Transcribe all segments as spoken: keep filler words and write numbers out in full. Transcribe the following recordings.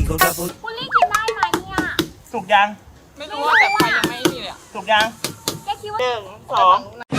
คุณลี่กินได้ไหมเนี่ยสุกยังไม่รู้ว่าแต่ใครยังไม่นี่เลยอะสุกยังแกคิดว่าหนึ่งสอง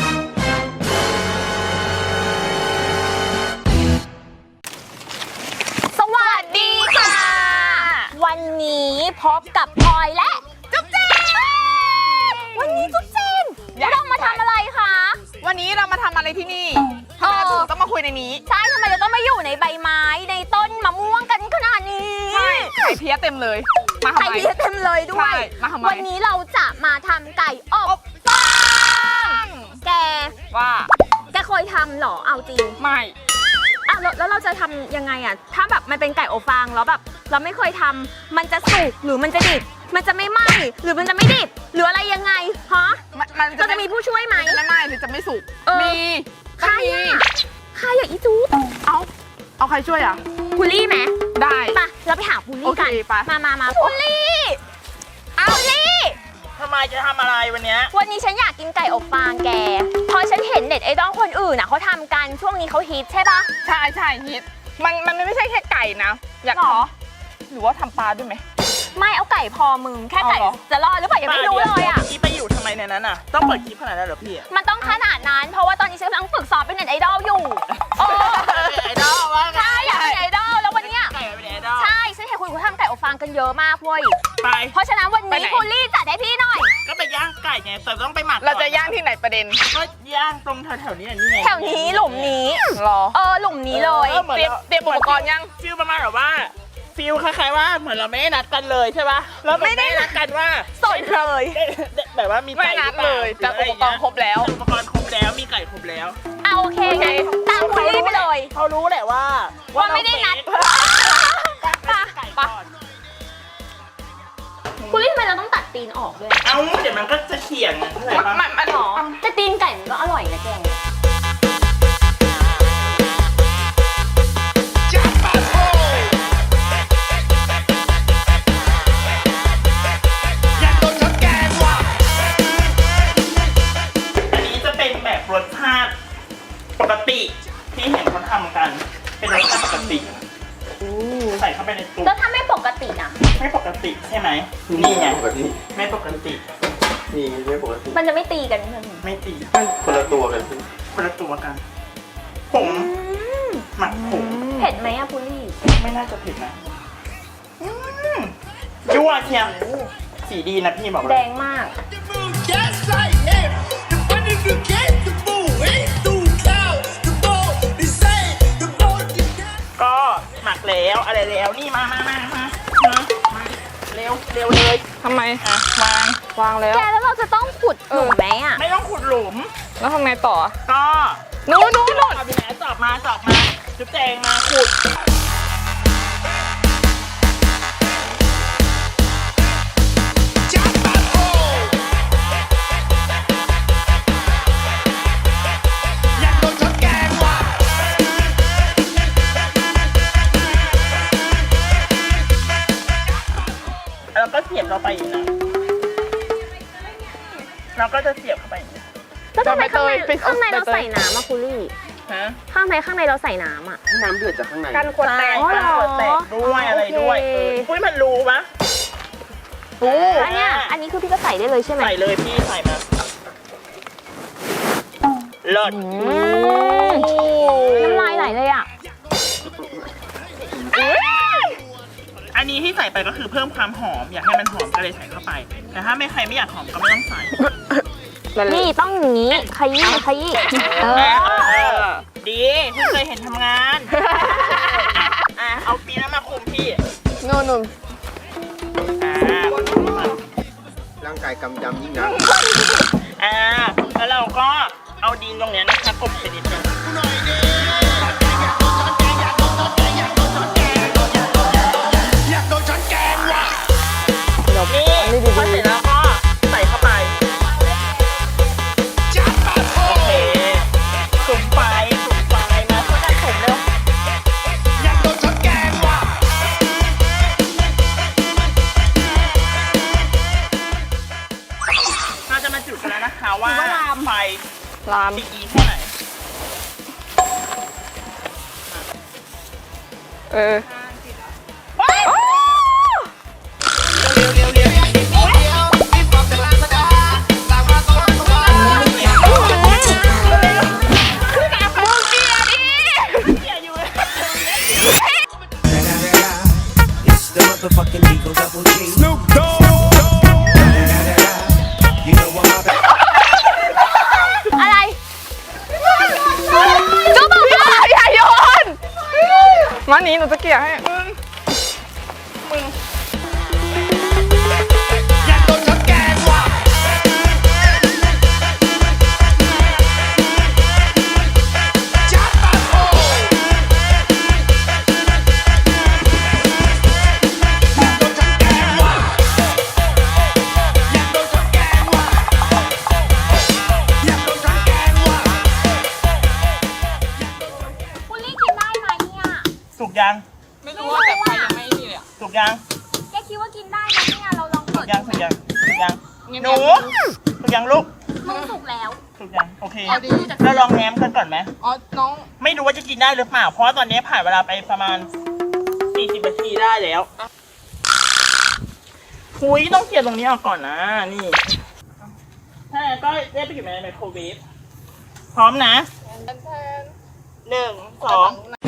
สวัสดีค่ะ วันนี้พบกับพลอยและจุ๊บเจนวันนี้จุ๊บเจนเรามาทำอะไรคะวันนี้เรามาทำอะไรที่นี่ทำไมเราถึงต้องมาคุยในนี้ใช่ทำไมจะต้องมาอยู่ในใบไม้ในต้นมะม่วงกันขนาดนี้ใช่ไข่เพี้ยเต็มเลย มาทำไข่ไมเพี้ยเต็มเลยด้วใช่ยมาทำไมวันนี้เราจะมาทำไก่อบฟางแกว่าแกเคยทำเหรอเอาจริงไม่อ่ะแล้วแล้วเราจะทำยังไงอ่ะถ้าแบบมันเป็นไก่อบฟางแล้วแบบเราไม่เคยทำมันจะสุกหรือมันจะดิบมันจะไม่ไหม้หรือมันจะไม่ดิบหรืออะไรยังไงฮะมันมันเราจะมีผู้ช่วยไหมจะไม่ไหม้หรือจะไม่สุกเออมีใครต้องมีอ่ะใครอ่ะอีจู๊เอาเอาใครช่วยอ่ะพุลลี่ไหมได้ไปเราไปหาพุลลี่กันโอเคไปมามามาพุลลี่เอาพุลลี่ทำไมจะทำอะไรวันเนี้ยวันนี้ฉันอยากกินไก่อบฟางแกเพราะฉันเห็นเน็ตไอดอลคนอื่นน่ะเขาทำกันช่วงนี้เขาฮิตใช่ปะใช่ใช่ฮิตมันมันไม่ใช่แค่ไก่นะ อยากหรอหรือว่าทำปลาด้วยไหมไม่เอาไก่พอมึงแค่ไก่เอาเหรอจะรอดหรือเปล่ายังไม่รู้เลยอ่ะพี่ไปอยู่ทำไมในนั้นอ่ะ ต้องเปิดคลิปขนาดนั้นเหรอพี่มันต้องขนาดนั้น เพราะว่าตอนนี้ฉันกำลังฝึกสอบเป็นเน็ตไอดอลอยู่โอ้ไอดอลว่าไงใช่อยากเป็นไอดอลแล้ววันเนี้ยไก่เป็นไอดอลใช่ฉันเห็นคุณเขาทำไก่อบฟางกันเยอะมากเว้ยไปเพราะฉะนั้นวันไปนี้ไหนคุณลี่จัดให้พี่หน่อยก็ไปย่างไก่ไงแต่ต้องไปหมักเราจะย่างที่ไหนประเด็นก็ย่างตรงแถวๆนี้นี่ไงแถวนี้หลุมนี้รอเออหลุมนี้เลยออหมือนเตรียมราเตรียมอุปกรณ์ยังฟิลประมาณแบบว่าฟิลคล้ายๆว่าเหมือนเราไม่ได้นัดกันเลยใช่ป่ะเราไม่ได้นัดกันว่าสดเลยได้ได้แบบว่ามีไม่ไก่นัดหรือปาเลยแต่อุปกรณ์ครบแล้วอุปกรณ์ครบแล้วมีไก่ครบแล้วเอาโอเคงั้นตามคุณลี่ไปเลยเขารู้แหละว่าว่าไม่ได้นัดปะไก่ก่อนคุณลี่ทำไมเราต้องตัดตีนออกด้วยเอาเดี๋ยวมันก็จะเขียงเข้าใจปะมันมันหรอแต่ตีนไก่มันก็อร่อยนะแกอันนี้จะเป็นแบบรสชาติปกติที่เห็นเขาทำกัน เป็นรสชาติปกติใส่เข้าไปในตู้แล้วถ้าไม่ปกติอ่ะไม่ปกติใช่ไหมนี่ไงปกติไม่ปกติมีไม่ปกติมันจะไม่ตีกันใช่ไหมไม่ตีคนละตัวกันพี่คนละตัวกันผงหมักผงเผ็ดไหมอะพุลี่ไม่น่าจะผิดนะอืมยั่วเชียวสีดีนะพี่บอกเลแดยงมาก Yes, I am. The money you get, the fool ain't too cow. The ball, they say, the ball, the cat. ก็หมักแล้วอะไรแล้วนี่มามามามามามาเร็วเร็วเลยทำไมอ่ะวางวางแล้วแกแล้วเราจะต้องขุดหลุมไหมอะไม่ต้องขุดหลุมแล้วทำไงต่อก็นู้นนู้นนู้นเอาไปไหนจอบมาจอบมาจุ๊บแจงมาขุด Chop my hole. Nhạc đôi chót càng hoa. แล้วก็เสียบเราไปอีกนะเราก็จะเสียบเข้าไปอย่างนี้แล้วทำไมข้างในไปเอาข้างในเราไปเตยใส่น้ำอะพุลี่ฮะข้างในข้างในเราใส่น้ำอะให้น้ำเดือดจากข้างในกันขวดแตกอ๋อเหรอขวดแตกด้วยอะไรด้วยโอเคปุ้ยมันรู้ปะรู้อันเนี้ยอันนี้คือพี่ก็ใส่ได้เลยใช่ไหมใส่เลยพี่ใส่มาเลิศอืมน้ำลายไหลเลยอะอันนี้ที่ใส่ไปก็คือเพิ่มความหอม อยากให้มันหอมก็เลยใส่เข้าไป แต่ถ้าไม่ใครไม่อยากหอมก็ไม่ต้องใส่นี่ต้องอย่างนี้ขยี้ขยี้เออเออดีพี่เคยเห็นทำงานอ่ะเอาปีนั้นมาคุมพี่นู่นนู่นอ่าร่างกายกำยำยิ่งนักอ่าแล้วเราก็เอาดินตรงเนี้ยนะคะกลบไปนิดนึงนี่พอเสร็จแล้วก็ใส่เข้าไป Chop my โอ hole. เคสุ่มไฟสุ่มไฟมาช่วยกันสุ่มเร็ว Nhạc đôi chót càng hoa. เราจะมาจุดกันแล้วนะคะว่าไฟลามดีแค่ไหนเออนี้หนูจะเกลี่ยให้มึงมึงอยากโดนฉันแกล้งว่ะจับปะโถอยากโดนฉันแกล้งว่ะอยากโดนฉันแกล้งว่ะอยากโดนฉันแกล้งว่ะคุณลี่กินได้ไหมเนี่ยสุกยังไม่รู้ว่าแต่ไฟยังไม่นี่เลยอะสุกยังแกคิดว่ากินได้ไหมเนี่ยเราลองสุเปิกดยังสุกยังสุกยังเงียบๆหนูสุกยังลูกมึงสุกแล้วสุกยังโอเคเอาดีเราลองแง้มกันก่อนไหมอ๋อ น้องไม่รู้ว่าจะกินได้หรือเปล่า เพราะว่าตอนนี้ผ่านเวลาไปประมาณสี่สิบนาทีได้แล้วคุยต้องเกลี่ยตรงนี้ออกก่อนนะ นี่ถ้าอย่างนั้นก็ได้ไปอยู่ในไมโครเวฟพร้อมนะแทนหนึ่งสอง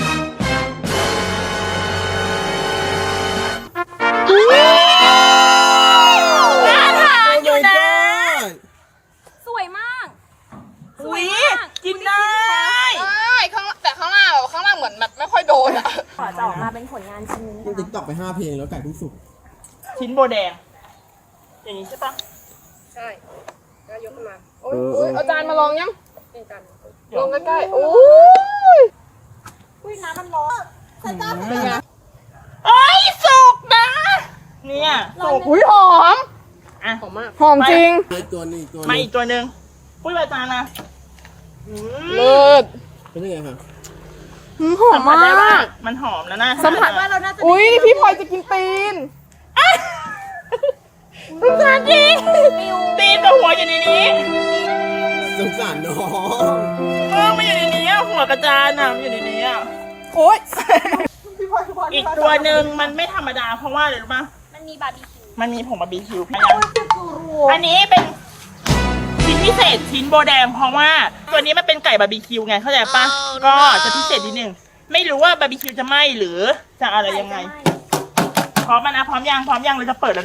น่าทานอยู่นะสวยมากอุ้ยกินได้ใช่ข้างแต่ข้างหน้าแบบข้างหน้าเหมือนแบบไม่ค่อยโดนอ่ะขอจะออกมาเป็นผลงานชิ้นนี้ยังติ๊กตอกไปห้าเพลงแล้วไก่เพิ่งสุกชิ้นโบแดง อย่างนี้ใช่ปะใช่ก็ยกขึ้นมา โอ้เอย อโอ้ยเอาจารย์มาลองยังลองใกล้ๆโอ้ยอุ้ยน้ำมันร้อนเป็นไงเอ้ยสุกนะ เนี่ยสุกอุ้ยหอมอ่ะหอมมาก หอมจริงอีกตัวหนึงอีกตัวหนึงมาอีกตัวหนึ่งปุ้ยใบตาลนะอืมเลิศเป็นยังไงครับหืมหอสัมมผัสมาได้ว่าก มันหอมแล้วนะสัมผัสว่าเราน่าจะอุ้ยพี่พลอยจะกินตีนสงสารจริงตีนกับหัวอยู่ในนี้สงสารน้องเออมันอยู่ในนี้อะหัวกระจานอ่ะมันอยู่ในนี้อ่ะโอ้ยอีกตัวหนึ่งมันไม่ธรรมดาเพราะว่าอะไรรู้ปะมันมีบาร์บีคิวมันมีผงบาร์บีคิวพยังอันนี้เป็นชิ้นพิเศษชิ้นโบแดงเพราะว่าตัวนี้มันเป็นไก่บาร์บีคิวไงเข้าใจปะก็จะพิเศษนิดนึงไม่รู้ว่าบาร์บีคิวจะไหม้หรือจะอะไรยังไง พร้อมแล้วนะพร้อมยังพร้อมยังเราจะเปิดแล้วนะ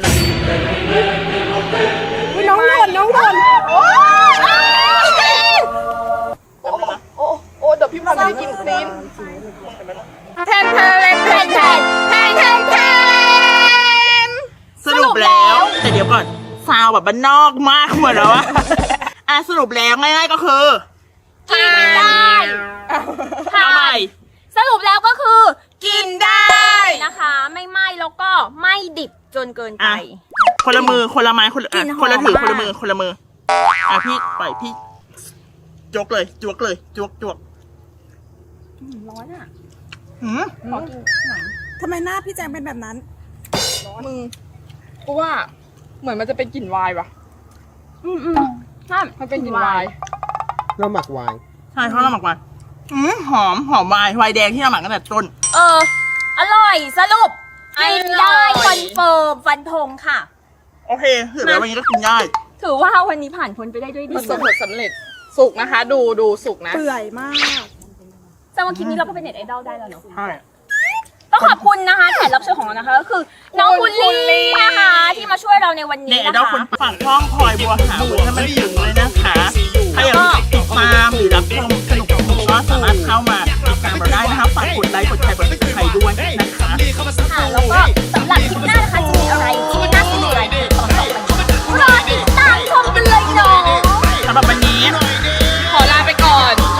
อุ๊ยน้องหล่นน้องหล่นโอ้ยโอ้โอ้โอ้เดี๋ยวพี่พลอยไม่ได้กินตีนแทนแทนแทนแทนแทนแทนแทนแทนสรุปแล้วแต่เดี๋ยวก่อนซาวแบบบ้านนอกมากเหมือนแล้วอะอ่ะสรุปแล้วง่ายๆก็คือกินได้เอาใหม่สรุปแล้วก็คือกินได้นะคะ ไม่ไหม้แล้วก็ไม่ดิบจนเกินไปอ่ะคนละมือคนละไม้คนละกลิ่อ่ะนหอมคนละถือมากคนละมือคนละมืออ่ะพี่ปล่อยพี่จวกเลยจวกเลยจวกจวกร้อนอ่ะหืมขอกินหน่อยทำไมหน้าพี่แจงเป็นแบบนั้นมึงกูว่าเหมือนมันจะเป็นกลิ่นวายว่ะอืมอืมใช่มันเป็นกลิ่นวายเราหมักไวน์ใช่เขาเราหมักไว้หืมหอมหอมวายไวน์แดงที่เราหมักตั้งแต่ต้นเออ อร่อยสรุปอร่อยกินได้คอนเฟิร์มฟันธงค่ะโอเคถือแล้ววันนี้ก็กินได้ถือว่าวันนี้ผ่านพ้นไปได้ด้วยดีมันสมผลสำเร็จสุกนะคะ ดูดูสุกนะเปื่อยมากแต่ว่าคลิปนี้เราก็เป็นเน็ตไอดอลได้แล้วเนาะใช่ต้องขอบคุณนะคะแขกรับเชิญของเรานะคะก็คือน้องคุณลี่นะคะที่มาช่วยเราในวันนี้เนี่ยนะเราคะคนฝากช่องพลอยบัวหาบุญให้มันถึงเลยนะคะถ้าอยากติดตามหรือรับชมสนุกสนุกก็สามารถเข้ามาติดตามเราได้นะคะฝากกดไลค์กดแชร์กดติดตามด้วยนะคะค่ะแล้วก็สำหรับคลิปหน้านะคะจะมีอะไรที่น่าสนใจต่อไปรอติดตามชมกันเลยเนาะสำหรับวันนี้ขอลาไปก่อน